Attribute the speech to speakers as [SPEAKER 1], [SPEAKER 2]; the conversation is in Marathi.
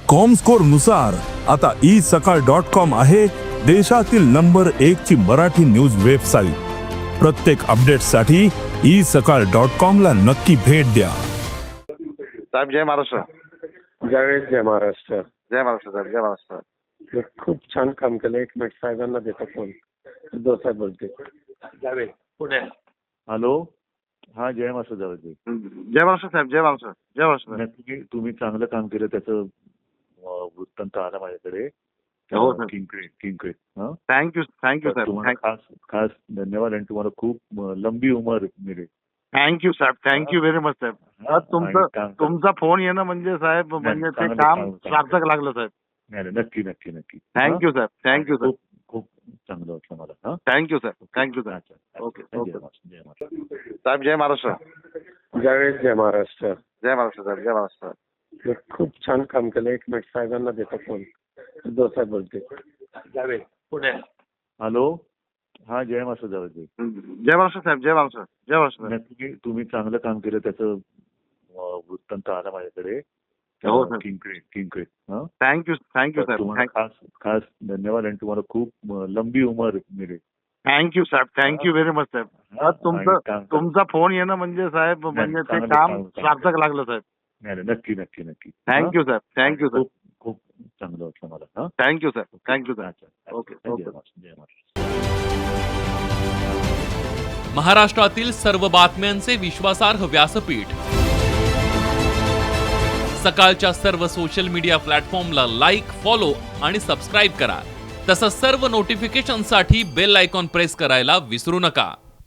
[SPEAKER 1] कॉमस्कोर नुसार आता isakal.com आहे देशातील नंबर 1 ची मराठी न्यूज वेबसाईट. प्रत्येक अपडेटसाठी isakal.com ला नक्की भेट द्या.
[SPEAKER 2] साहेब जय महाराष्ट्र.
[SPEAKER 3] जय महाराष्ट्र.
[SPEAKER 2] जय महाराष्ट्र साहेब. जय महाराष्ट्र.
[SPEAKER 3] मी खूप छान काम केलं. एक मिनिट साहेबांना देतो फोन. साहेब बोलते.
[SPEAKER 2] जावेद पुढे.
[SPEAKER 4] हॅलो. हा जय महाराष्ट्र जावेद.
[SPEAKER 2] जय महाराष्ट्र साहेब. जय महाराष्ट्र. जय महाराष्ट्र.
[SPEAKER 4] नक्की तुम्ही चांगलं काम केलं त्याचं वृत्तांत आला माझ्याकडे.
[SPEAKER 2] हो सर.
[SPEAKER 4] किंक्रेट
[SPEAKER 2] थँक्यू साहेब.
[SPEAKER 4] तुम्हाला खास धन्यवाद आणि तुम्हाला खूप लंबी उमर मिळेल.
[SPEAKER 2] थँक्यू साहेब. थँक्यू व्हेरी मच साहेब. तुमचा फोन येणं म्हणजे साहेब म्हणजे ते काम सार्थक लागलं साहेब.
[SPEAKER 4] नाही नक्की नक्की नक्की.
[SPEAKER 2] थँक्यू साहेब. थँक्यू साहेब.
[SPEAKER 4] खूप चांगलं वाटलं मला.
[SPEAKER 2] थँक्यू साहेब. थँक्यू साहेब. ओके ओके साहेब. जय महाराष्ट्र.
[SPEAKER 3] जय महाराष्ट्र.
[SPEAKER 2] जय महाराष्ट्र साहेब. जय महाराष्ट्र.
[SPEAKER 3] मी खूप छान काम केलं. एक मिनिट साहेबांना देतो फोन. साहेब बोलते.
[SPEAKER 2] जावेद पुढे.
[SPEAKER 4] हॅलो. हा जय महाराष्ट्र जावेद.
[SPEAKER 2] जय महाराष्ट्र साहेब. जय महाराष्ट्र. जय महाराष्ट्र.
[SPEAKER 4] नक्की तुम्ही चांगलं काम केलं त्याचं वृत्तांत आला माझ्याकडे.
[SPEAKER 2] हो सर.
[SPEAKER 4] किंक्रेट
[SPEAKER 2] थँक्यू साहेब.
[SPEAKER 4] तुम्हाला खास धन्यवाद आणि तुम्हाला खूप लंबी उमर मिळेल.
[SPEAKER 2] थँक्यू साहेब. थँक्यू व्हेरी मच साहेब. तुमचा फोन येणं म्हणजे साहेब म्हणजे ते काम सार्थक लागलं साहेब.
[SPEAKER 4] नाही नक्की नक्की नक्की.
[SPEAKER 2] थँक्यू साहेब. थँक्यू साहेब.
[SPEAKER 4] खूप चांगलं वाटलं मला.
[SPEAKER 2] थँक्यू साहेब. थँक्यू साहेब. ओके
[SPEAKER 4] जय महाराष्ट्र.
[SPEAKER 5] महाराष्ट्रातील सर्व बातम्यांचे विश्वासार्ह व्यासपीठ सकाळच्या सर्व सोशल मीडिया प्लॅटफॉर्मला लाईक, फॉलो आणि सबस्क्राईब करा. तसंच सर्व नोटिफिकेशनसाठी बेल आयकॉन प्रेस करायला विसरू नका.